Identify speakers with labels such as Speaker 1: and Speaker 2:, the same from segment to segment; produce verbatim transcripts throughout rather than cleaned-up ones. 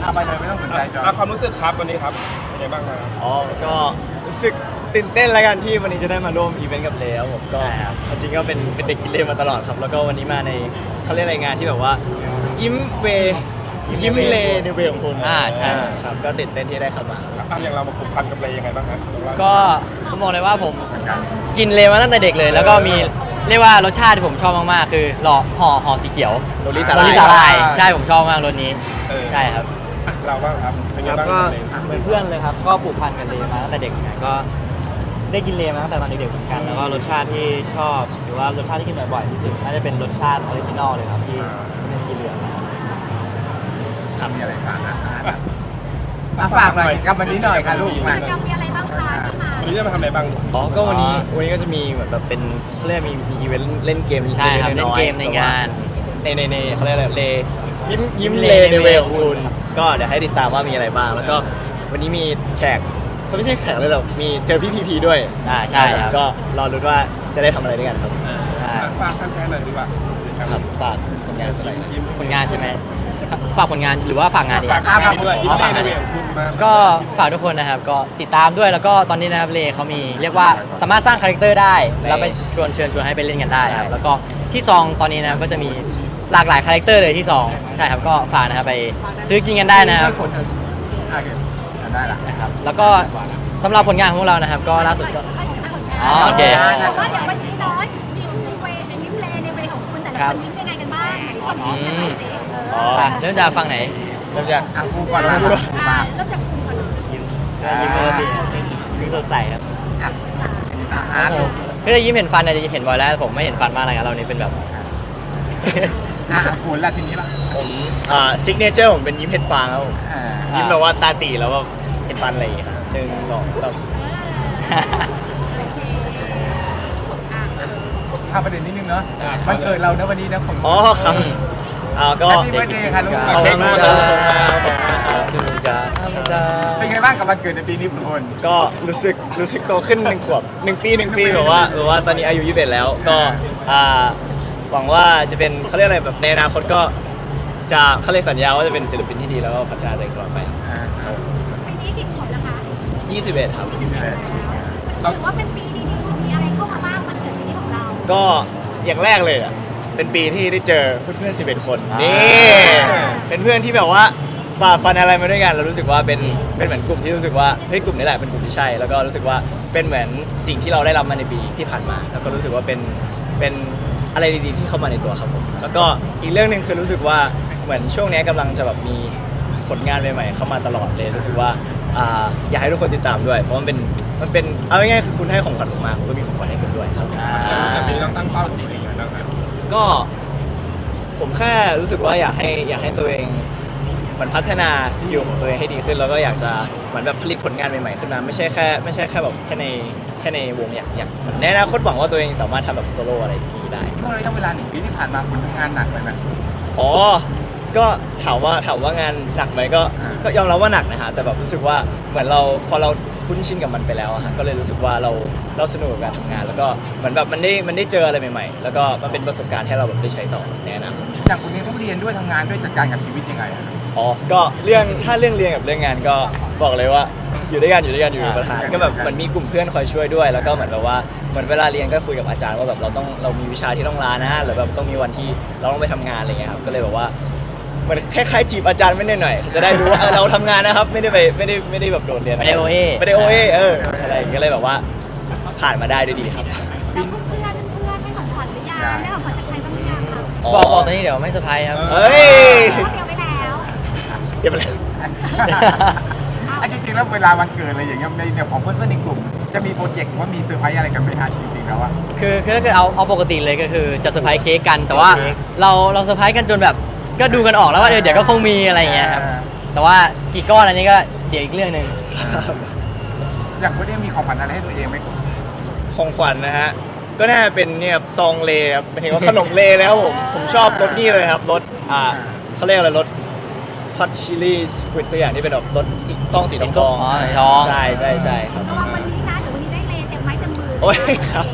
Speaker 1: เอาไปเลยไม่ต้องสนใจจอ
Speaker 2: อ่ะความรู้สึกครับวันนี้ครับเป็นไงบ้างครับ
Speaker 3: อ๋อก็รู้สึกตื่นเต้นแล้วกันที่วันนี้จะได้มาร่วมอีเวนต์กับเลครับผมก็
Speaker 4: ใช่ครับ
Speaker 3: จริงๆก็เป็นเป็นเด็กกินเลมาตลอดครับ แล้วก็วันนี้มาในเขาเรียกอะไรงานที่แบบว่ายิ้มเวยิ้มเลในเวของคุณ
Speaker 4: อ่าใช่
Speaker 3: ครับก็ตื่นเต้นที่ได้เข้ามา
Speaker 2: อ่ะอย่างเรามาผูกพันกับเลยยังไงบ้างครับ
Speaker 4: ก็ผมบอกเลยว่าผมกินเลมาตั้งแต่เด็กเลย แล้วก็มีเรียกว่ารสชาติที่ผมชอบมากๆคือหล่อห่อห่อสีเขียว
Speaker 3: โรลลี่สา
Speaker 4: โร
Speaker 3: ลา
Speaker 4: ล
Speaker 3: ย
Speaker 4: ลี่สาลายใช่ผมชอบมากรสนี้
Speaker 2: เออ
Speaker 4: ใช่ครับ
Speaker 2: อ่ะเราบ้างครับเป็นไง
Speaker 5: ครับ
Speaker 2: บ้าง
Speaker 5: ก็
Speaker 2: เลย
Speaker 5: เหมือนเพื่อนเลยครับก็ผูกพันกับเลมาตั้งแต่เด็กเหมือนกันก็ได้กินเลมาตั้งแต่ตอนเด็กๆเหมือนกันแล้วก็รสชาติที่ชอบหรือว่ารสชาติที่กินบ่อยๆที่สุดน่าจะเป็นรสชาติออริจินอลเลยครับที่เป็นสีเหลืองนะครับ
Speaker 1: ทำมีอะไรฝากอ่ะอ่ะฝากหน่อยกับวันนี้หน่อยค่ะลูกมา
Speaker 6: กิจกรรมมีอะไรบ้างคะที่มา
Speaker 2: วันนี้จะมาทำอะไรบ้าง
Speaker 3: อ๋อก็วันนี้วันนี้ก็จะมีเหมือนแบบเป็นเขาเรียกมีมีอีเวนต์เล่นเกม
Speaker 4: ใช่ครับ
Speaker 3: ล็ๆอยๆ
Speaker 4: เล่นเกมในงาน
Speaker 3: ในในในเขาเรียกอะไรเลยิ้มยิ้ม
Speaker 4: เล
Speaker 3: เล
Speaker 4: ใน
Speaker 3: ใน
Speaker 4: เว
Speaker 3: เว
Speaker 4: ข
Speaker 3: ของคุณก็เดี๋ยวให้ติดตามว่ามีอะไรบ้าง แล้วก็วันนี้มีแขกเขาไม่ใช่แขกเลยหรอกมีเจอพี่พีพีด้วย
Speaker 4: อ่าใช่ครับ
Speaker 3: ก็รอรุ้นว่าจะได้ทำอะไรด้วยกันครับใช่
Speaker 2: อ่ะฝากแฟนๆหน่อยดีกว่า
Speaker 3: ครับฝากผลงานอะไร
Speaker 4: ผลงานใช่ไหมฝากผลงานหรือว่าฝากงานดี
Speaker 2: ฝากงานด้วยยิ้มได้ในเวของคุณมา
Speaker 4: ก็ฝากทุกคนนะครับก็ติดตามด้วยแล้วก็ตอนนี้นะครับเลเขามีเรียกว่าสามารถสร้างคาแรคเตอร์ได้แล้วไปชวนเชิญชวนให้ไปเล่นกันได้ครับแล้วก็ที่ซองตอนนี้นะครับก็จะมีหลากหลายคาแรคเตอร์เลยที่ซองใช่ครับก็ฝากนะครับไปซื้อกินกันได้นะครับ
Speaker 1: คนอ่ะโอเคได้ละ
Speaker 4: นะครับแล้วก็สำหรับผลงานของพวกเรานะครับก็ล่าสุดก็ อ๋อโอเค
Speaker 6: ว่าเดี๋ยววันนี้เนาะยิ้มเวในยิ้มเลในเวของคุณแต่ละคนยิ้มยังไงกันบ้างที่สมยิ้มกันหน่อยสิเออ
Speaker 4: ไปเริ่มจากฟังไหน
Speaker 3: เริ่มจาก
Speaker 1: อ่ะกูก่อนนะ
Speaker 6: อ่ะเริ่มจากคุณก่อนเลย
Speaker 5: ยิ้มยิ้มปกติยิ้มสดใสครับ
Speaker 1: อ่ะอาร์ต
Speaker 4: ก็จะยิ้มเห็นฟันเนี่ยจะเห็นบ่อยแล้วผมไม่เห็นฟันมากเลยครับเรานี่เป็นแบบ
Speaker 1: อ่ะคุณละทีนี้ละ
Speaker 3: ผมอ่าซิกเนเจอร์ผมเป็นยิ้มเห็ดฟางครับผม
Speaker 1: อ่า
Speaker 3: ยิ้มแบบว่าตาตีแล้วก็เห็นฟันอะไรอย่างเงี้ยครับหนึ่งสองสาม
Speaker 1: ข้ามประเด็นนิดนึงเนาะมันเกิดเราเนอะวันนี้นะผม
Speaker 3: อ๋อครับอ่าก็
Speaker 1: แฮปปี้เบิร์ดเดย์ค่ะลูก
Speaker 3: ขอบคุณมากครับขอบคุณมากครับ
Speaker 1: เป็นไงบ้างกับวันเกิดในปีนี้คุณพล
Speaker 3: ก็รู้สึกรู้สึกโตขึ้นหนึ่งขวบหนึ่งปีหนึ่งปีแบบว่าแบบว่าตอนนี้อายุยี่สิบเอ็ดแล้วก็อ่าหวังว่าจะเป็นเขาเรียกอะไรแบบในอนาคตก็จะเขาเรียกสัญญาว่าจะเป็นศิลปินที่ดีแล้วก็พัฒนาตัวเองตลอดไป
Speaker 1: อ่า
Speaker 6: ปีนี้กี่ขวบแล้วคะ
Speaker 3: ยี่สิบเอ็ดครับ
Speaker 6: ถือว่าเป็นปีดีๆมีอะไรเข้ามาบ้างวันเกิดปีนี้ของเรา
Speaker 3: ก็อย่างแรกเลยอ่ะเป็นปีที่ได้เจอเพื่อนๆสิบเอ็ดคน
Speaker 4: อ่านี่
Speaker 3: นี่เป็นเพื่อนที่แบบว่าฝ่าฟันอะไรมาด้วยกันเรารู้สึกว่าเป็นเป็นเหมือนกลุ่มที่รู้สึกว่าเฮ้ยกลุ่มนี้แหละเป็นกลุ่มที่ใช่ แล้วก็รู้สึกว่าเป็นเหมือนสิ่งที่เราได้รับมาในปีที่ผ่านมา แล้วก็รู้สึกว่าเป็นเป็นอะไรดีๆที่เข้ามาในตัวครับผมแล้วก็อีกเรื่องหนึ่งคือรู้สึกว่าเหมือนช่วงนี้กำลังจะแบบมีผลงานใหม่ๆเข้ามาตลอดเลยรู้สึกว่าอ่าอยากให้ทุกคนติดตามด้วยเพราะมันเป็นมันเป็นเอาง่ายๆคือคุณให้ของขวัญผมมาผมก็มีของขวัญให้คุณด้วยครับ
Speaker 2: แต่ปีนี้ต้องตั้งเป้าจริงๆอย่างไรบ้างครับ
Speaker 3: ก็ผมแค่รู้สึกว่าอยากให้อยากให้ตัวเองเหมือนพัฒนาสกิลของตัวเองให้ดีขึ้นแล้วก็อยากจะเหมือนแบบผลิตผลงานใหม่ๆขึ้นมาไม่ใช่แค่ไม่ใช่แค่แบบแค่ในแค่ในวงอยากอยากในอนาคตหวังว่าตัวเองสามารถทำแบบโซโล่อะไรอย่างนี้ได้
Speaker 1: เมื่อระยะเวลาหนึ่งปีที่ผ่านมาคุณทำงานหนักไปไหม
Speaker 3: อ๋อก็ถามว่าถามว่างานหนักไหมก็
Speaker 1: อ่า
Speaker 3: ก็ยอมรับว่าหนักนะฮะแต่แบบรู้สึกว่าเหมือนเราพอเราคุ้นชินกับมันไปแล้วอะฮะก็เลยรู้สึกว่าเราเราสนุกกับการทำงาน แล้วก็เหมือนแบบมันได้มันได้เจออะไรใหม่ๆ แล้วก็มันเป็นประสบการณ์ให้เราแบบได้ใช้ต่อในอนาคต
Speaker 1: อย่างคุณนี้ต้องเรียนด้วยทำงานด้วยจัดการกับชีวิตยังไงอะ
Speaker 3: อ๋อ ก็เรื่องถ้าเรื่องเรียนกับเรื่องงานก็บอกเลยว่าอยู่ด้วยกันอยู่ด้วยกันอยู่เป็นประธานก็แบบเหมือนมีกลุ่มเพื่อนคอยช่วยด้วย แล้วก็เหมือนแบบว่าเหมือนเวลาเรียนก็คุยกับอาจารย์ว่าแบบเราต้องเรามีวิชาที่ต้องลานะหรือแบบต้องมีวันที่เราต้องไปทำงานอะไรเงี้ยครับก็เลยแบบว่าเหมือนคล้ายๆจีบอาจารย์ไม่ได้หน่อยๆจะได้รู้ว่าเออเราทำงานนะครับไม่ได้ไปไม่ได้ไม่ได้แบบโดดเรียน
Speaker 4: ไม่ได้ โอ เอ
Speaker 3: ไม่ได้โอเอเอออะไรอย่างเงี้ยก็เลยแบบว่าผ่านมาได้ด้วยดีครับ
Speaker 6: แล้วเพื่อนเพื่อนเพื่อนให้ของขวัญหรือยังได้ของขวัญจากใครบ้างหรือยังคะ
Speaker 4: บอกบอกตอนนี้เดี๋ยวไม่เซอร์ไพรส์ครับ
Speaker 3: เฮ้ย
Speaker 6: เตรียมไว้แล้ว
Speaker 3: เดี๋ยวไปเลย
Speaker 1: อ่ะจริงๆแล้วเวลาวันเกิดอะไรอย่างเงี้ยในเดี๋ยวของเพื่อนๆในกลุ่มจะมีโปรเจกต์หรือว่ามีเซอร์ไพรส์อะไรกันไหมฮะจริงๆแล้วอะ
Speaker 4: คือคือถ้าเกิดเอาเอาปกติเลยก็คือจะเซอร์ไพรส์เค้กกัน แต่ว่าเราเราเซอร์ไพรส์กันจนแบบก็ดูกันออกแล้วว่าเดี๋ยวเดี๋ยวก็คงมีอะไรอย่างเงี้ยครับแต่ว่ากี่ก้อนอันนี้ก็เดี๋ยวอีกเรื่องหนึ่ง
Speaker 1: อย่างคุณเนี่ยมีของขวัญอะไรให้ตัวเองไหม
Speaker 3: ของขวัญนะฮะ ก็น่าจะเป็นเนี่ยครับซองเลครับหมายถึงว่าขนมเลแล้วผม ผมชอบรสนี่เลยครับรสอ่าเขาเรียกอะไรรสฮอตชิลลี่สควิดสักอย่างที่เป็นแบบรสสีซองสีทองทอง
Speaker 4: อ๋อสีทอง
Speaker 3: ใช่ใช่ใช่ครับ
Speaker 6: ระวังวันนี้นะเดี๋ยววันนี้ได้เลเต็มไม้เต็มมือ
Speaker 3: โอ้ยครับขอบ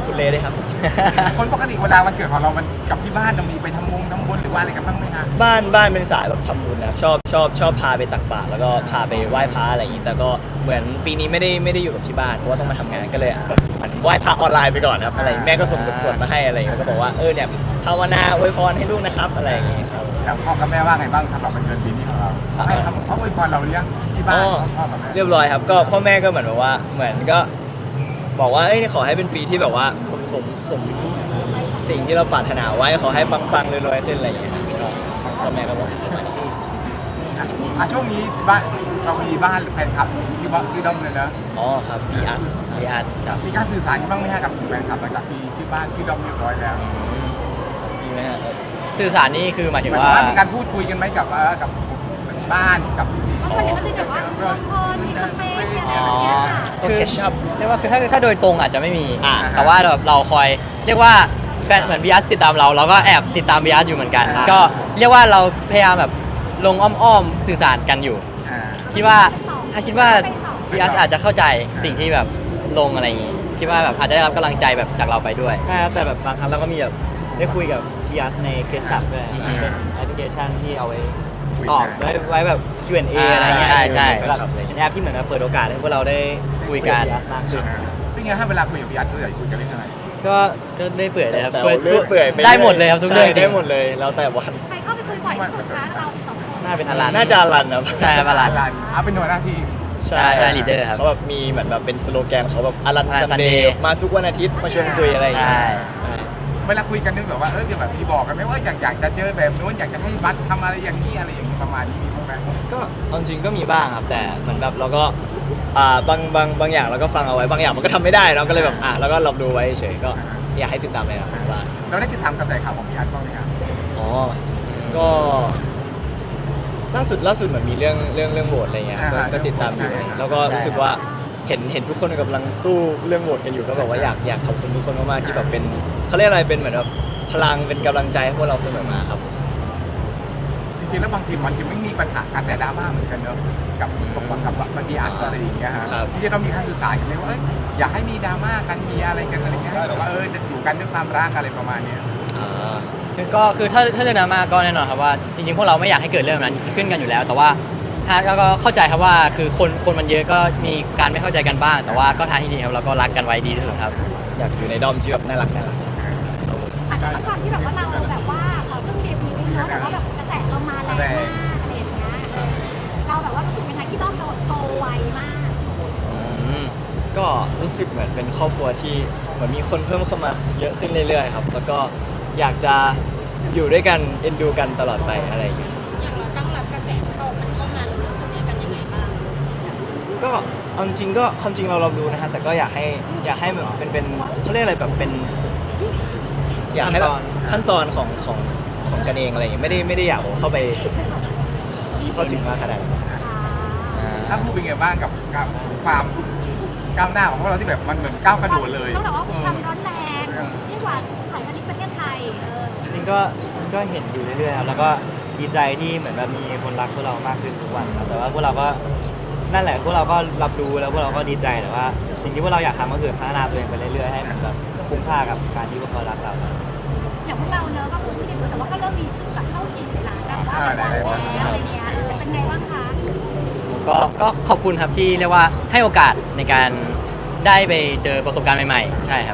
Speaker 3: คุณเลด้วยครับ
Speaker 1: คนปกติเวลาวันเกิดของเรามันกับที่บ้านเรามีไปทำมงทำบุญหรือว่าอะไรกันบ้างไหมฮะ
Speaker 3: บ้านบ้านเป็นสายแบบทำบุญนะครับชอบชอบชอบพาไปตักบาตรแล้วก็พาไปไหว้พระอะไรอย่างนี้แต่ก็เหมือนปีนี้ไม่ได้ไม่ได้อยู่กับที่บ้านเพราะว่าต้องมาทำงานก็เลยแบบเหมือนไหว้พระออนไลน์ไปก่อนครับอะไรแม่ก็ส่งบทสวดมาให้อะไรอย่างเงี้ยก็บอกว่าเออเนี่ยภาวนาอวยพรให้ลูกนะครับอะไรอย่างเงี้ยครับ
Speaker 1: แล้วพ่อกับแม่ว่าไงบ้างสำหรับวันเกิดปีนี้ของเราให้คำเขาอวยพรเราหรือยังที่บ้าน
Speaker 3: อ๋อ
Speaker 1: พ่อกับแม่
Speaker 3: เรียบร้อยครับก็พ่อแม่ก็เหมือนแบบว่าเหมือนก็บอกว่าเอ้ยขอให้เป็นปีที่แบบว่าสมสมสมสิ่งที่เราปรารถนาไว้ขอให้ปังๆรวยๆขึ้นอะไรอย่างเงี้ยครับก็พ่อแม่ก็บอก
Speaker 1: อ่ะช่วงนี้บ้านเรามีบ้านหรือแฟนคลับที่บ้านที่ด้อมเลยนะ
Speaker 3: อ๋อครับ บี อัส
Speaker 4: พีอาร์ครับ
Speaker 1: มีการสื่อสารกันบ้างไหมฮะกับแฟนคลับหลังจากมีชื่อบ้านที่ด้อมเรียบร้อยแล้ว
Speaker 3: มีไหมฮะ
Speaker 4: สื่อสารนี่คือหมายถึง
Speaker 1: หมายถึ
Speaker 4: ว่า
Speaker 1: งว่ามีการพูดคุยกันไหมกับเอ่อกับบ้านกับ
Speaker 6: เพราะส่วนใหญ่ก็จะแบบว่าบางคนมีสเปซอะไรอย่างเงี้ยค่ะ
Speaker 3: โอเคชับ
Speaker 4: เรียกว่าคือถ้าถ้าโดยตรงอาจจะไม่มี
Speaker 3: อ่า
Speaker 4: แต่ว่าแบบเราคอยเรียกว่าแฟนเหมือนบีอาร์ติดตามเราเราก็แอบติดตามบีอาร์อยู่เหมือนกัน
Speaker 1: อ่า
Speaker 4: ก็เรียกว่าเราพยายามแบบลงอ้อมๆสื่อสารกันอยู่
Speaker 1: อ่า
Speaker 4: คิดว่าถ้าคิดว่าบีอาร์อาจจะเข้าใจสิ่งที่แบบลงอะไรอย่างงี้คิดว่าแบบอาจจะได้รับกำลังใจแบบจากเราไปด้วย
Speaker 5: ใช่ครับแต่แบบบางครั้งเราก็มีแบบได้คุยกับพีอาร์ในเคสชัพด้วย
Speaker 4: อืม
Speaker 5: เป็นแอปพลิเคชันที่เอาไว้ตอบไว้ไว้แบบ คิว แอนด์ เอ อะไรเงี้ย
Speaker 4: ใช่ใช่
Speaker 5: แบบเป็นแอปที่เหมือนกับเปิดโอกาสให้พวกเราได้
Speaker 4: คุยกัน
Speaker 5: พีอาร์มากขึ้น
Speaker 1: เป็นไงฮะเวลาคุยกับพี่ยัดเราอยากคุยกันเรื่องอะไร
Speaker 5: ก็
Speaker 4: ก็ได้เปื่อยเลยครับ
Speaker 3: แซว
Speaker 4: ช่วย
Speaker 3: ๆเรื่อยเปื่อยป
Speaker 4: ได้หมดเลยครับทุกเรื่อง
Speaker 3: ใช่
Speaker 4: จริ
Speaker 3: ได้
Speaker 4: ง
Speaker 3: หมดเลยแล้วแต่วัน
Speaker 6: ใครเข้าไปคุยบ่อยที่สุดคะเราสองคน
Speaker 5: น่าเป็นอลัน
Speaker 3: น่าจะอลันครับ
Speaker 4: ใช่ครับอลัน
Speaker 1: นเอาเป็นหน่วยหน้าที่
Speaker 3: ใช่
Speaker 4: ใช่ leader ครับ
Speaker 3: เขาแบบมีเหมือนแบบเป็นสโลแกนเขาแบบอลัน
Speaker 4: Alan
Speaker 3: ซันเด
Speaker 4: Sunday
Speaker 3: ย์มาทุกวันอาทิตย์มาชวนคุยอะไรอย่างเงี้ย
Speaker 4: ใช่
Speaker 3: ใช่
Speaker 1: เวลาคุยกันนึกแบบว่าเออแบบมีบอกกันไหมว่าอยากอยากจะเจอแบบนู้นอยากจะให้บัตทำอะไรอย่างนี้อะไรอย่างนี้ประมาณนี้มีบ้างไหม
Speaker 3: ก็เอาจริงก็มีบ้างครับแต่เหมือนแบบเราก็อ่าบางบางบางอย่างเราก็ฟังเอาไว้บางอย่างมันก็ทำไม่ได้เราก็เลยแบบอ่ะแล้วก็รับรู้ไว้เฉยก็อยากให้ติดตามเลยนะครับว่า
Speaker 1: เราได้ติดตามกระแสข่าวของพี่ยัดบ้างไหมครับ
Speaker 3: อ๋อก็ล่าสุดล่าสุดเหมือนมีเรื่องเรื่องเรื่องโหวตอะไรเงี้ยก็ก็ติดตามอยู่แล้วก็รู้สึกว่าเห็นเห็นทุกคนกำลังสู้เรื่องโหวตกันอยู่ก็แบบว่าอยากอยากขอบคุณทุกคนมากๆที่แบบเป็นเขาเรียกอะไรเป็นเหมือนแบบพลังเป็นกำลังใจให้พวกเราเสมอมาครับ
Speaker 1: จริงๆแล้วบางทีมันจะไม่มีปัญหาการแต่ดราม่าเหมือนกันเนอะกับกับกับกับพี่ยัดอะไรอย่างเงี้ยฮะ
Speaker 3: ครับ
Speaker 1: ที่จะต้องมีการสื่อสารกันไหมว่าเอ้ยอยากให้มีดราม่ากันมีอะไรกันอะไรเงี้ยให้แบบว่าเอออยู่กันด้วยความรักอะไรประมาณเนี้ย
Speaker 3: อ่า
Speaker 4: คือก็คือถ้าถ้าเรื่องดราม่าก็แน่นอนครับว่าจริงๆพวกเราไม่อยากให้เกิดเรื่องแบบนั้นขึ้นกันอยู่แล้ว แต่ว่าถ้าก็เข้าใจครับว่าคือคนคนมันเยอะก็มีการไม่เข้าใจกันบ้าง แต่ว่าก็ทางที่ดีครับเราก็รักกันไว้ดีที่สุดครับ
Speaker 3: อยากอยู่ในด้อมที่แบบน่ารักน่ารัก
Speaker 6: อาจจะด้วยความที่แบบว่าเราแบบว่าเพิ่งเดบิวต์เนอะแต่ว่าแบบกระแสเรามาแรงมากอะไรอย่างเงี้ยเราแบบว่ารู้สึกยังไงที่ต้องโดนโตไวมาก
Speaker 4: อืม
Speaker 3: ก็รู้สึกเหมือนเป็นครอบครัวที่เหมือนมีคนเพิ่มเข้ามาเยอะขึ้นเรื่อยๆครับแล้วก็อยากจะอยู่ด้วยกันเอ็นดูกันตลอดไปอะไรอย่างเงี้ย
Speaker 6: อย่างเราตั้งรับกระแสเข้ามันเข้ามาเราทำกันยังไงบ้าง
Speaker 3: ก็เอาจริงๆก็ความจริงเราเราดูนะฮะแต่ก็อยากให้อยากให้แบบเป็นเป็นเขาเรียกอะไรแบบเป็น อยากให้แบบขั้นตอนของของของกันเองอะไรอย่างเงี้ยไม่ได้ไม่ได้อยากเข้าไปเข้าถึงมากขนาดนั้น
Speaker 1: ถ้าพูดเป็นไงบ้างกับกับความก้าวหน้าของพวกเราที่แบบมันเหมือนก้าวกระโดดเลย
Speaker 6: ต้องบอกว่าความร้อนแรงยิ่งกว่าสายการบินประเทศไทยเออ
Speaker 5: จริงๆก็ก็เห็นอยู่เรื่อยๆครับแล้วก็ดีใจที่เหมือนแบบมีคนรักพวกเรามากขึ้นทุกวันครับแต่ว่าพวกเราก็นั่นแหละพวกเราก็รับรู้แล้วพวกเราก็ดีใจแต่ว่าสิ่งที่พวกเราอยากทำก็คือพัฒนาตัวเองไปเรื่อยๆให้มันแบบคุ้มค่ากับการที่พวกเขารักเรา
Speaker 6: อย่างพวกเราเนอะก็คือไม่ได้เปิดแต่ว่าก็เริ่มมีชื่อแบบเข้าชิงในร้านแบบว่าแบบแล้วอะไรเงี้ยเออเป็นไงบ้างคะ
Speaker 4: ก็ก็ขอบคุณครับที่เรียกว่าให้โอกาสในการได้ไปเจอประสบการณ์ใหม่ๆ ใช่ครับ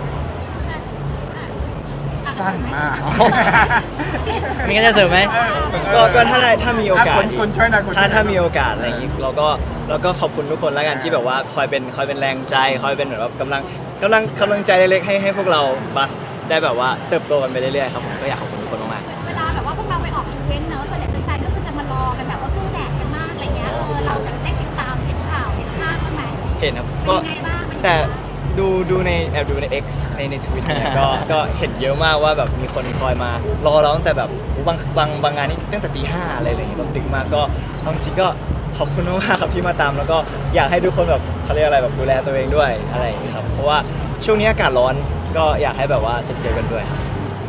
Speaker 1: สั้นมาก
Speaker 4: มีกันจะเสริมไหม
Speaker 3: ก็ก็ถ้าได้ถ้ามีโอกาส
Speaker 1: คนคนช่วยหน่อยคนช่วยหน่อย
Speaker 3: ถ้าถ้ามีโอกาสอะไรอย่างงี้เราก็เราก็ขอบคุณทุกคนแล้วกันที่แบบว่าคอยเป็นคอยเป็นแรงใจคอยเป็นเหมือนแบบกำลังกำลังกำลังใจเล็กๆให้ให้พวกเราบัสได้แบบว่าเติบโตกันไปเรื่อยๆครับผมก็อยากขอบคุณทุกคนมาก
Speaker 6: เวลาแบบว่าพวกเราไปออกอีเวนต์เนอะส่วนใหญ่แฟนๆก็คือจะมารอกันแบบว่าสู้แดดกันมากอะไรเงี้ยเออเราแบบได้ติดตามเห็นข่าวเห็นภาพบ้างไหม
Speaker 3: ๆเห็นครับ
Speaker 6: เป็
Speaker 3: ก็
Speaker 6: นไงบ้าง
Speaker 3: แต่ดูดูในแอบดูใน X ในในทวิตเนี่ยก็ก็เห็นเยอะมากว่าแบบมีคนคอยมารอเราตั้งแต่แบบบางบางบางงานนี่ตั้งแต่ตีห้าอะไรอย่างเงี้ยแบบดึกมากก็เอาจริงๆก็ขอบคุณมากๆครับที่มาตาม แล้วก็อยากให้ทุกคนแบบเขาเรียกอะไรแบบดูแลตัวเองด้วยอะไรอย่างเงี้ยครับเพราะว่าช่วงนี้อากาศร้อนก็อยากให้แบบว่าเซฟๆกันด้วยครับ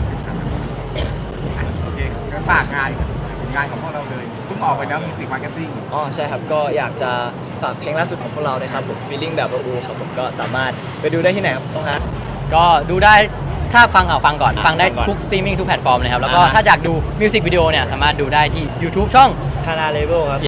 Speaker 1: โอเคงั้นฝากงานงานของพวกเราเลยเพิ่งออกไปแล้วมิวสิกมาร์เก็ตติ้ง
Speaker 3: อ๋อใช่ครับก็อยากจะฝากเพลงล่าสุดของพวกเราเลยครับผม feeling แบบอูครับผมก็สามารถไปดูได้ที่ไหนครับน้องฮัท
Speaker 4: ก็ดูได้ถ้าฟังเอาฟังก่อน
Speaker 3: อ่ะ
Speaker 4: ฟังได้
Speaker 3: ฟังก่อน
Speaker 4: ทุกสตรีมมิ่งทุกแพลตฟอร์มเลยครับ แล้วก็
Speaker 3: อ่าฮะ
Speaker 4: ถ้าอยากดูมิวสิกวิดีโอเนี่ยสามารถดูได้ที่ YouTube ช่อง
Speaker 5: ชานาเลเวลครับ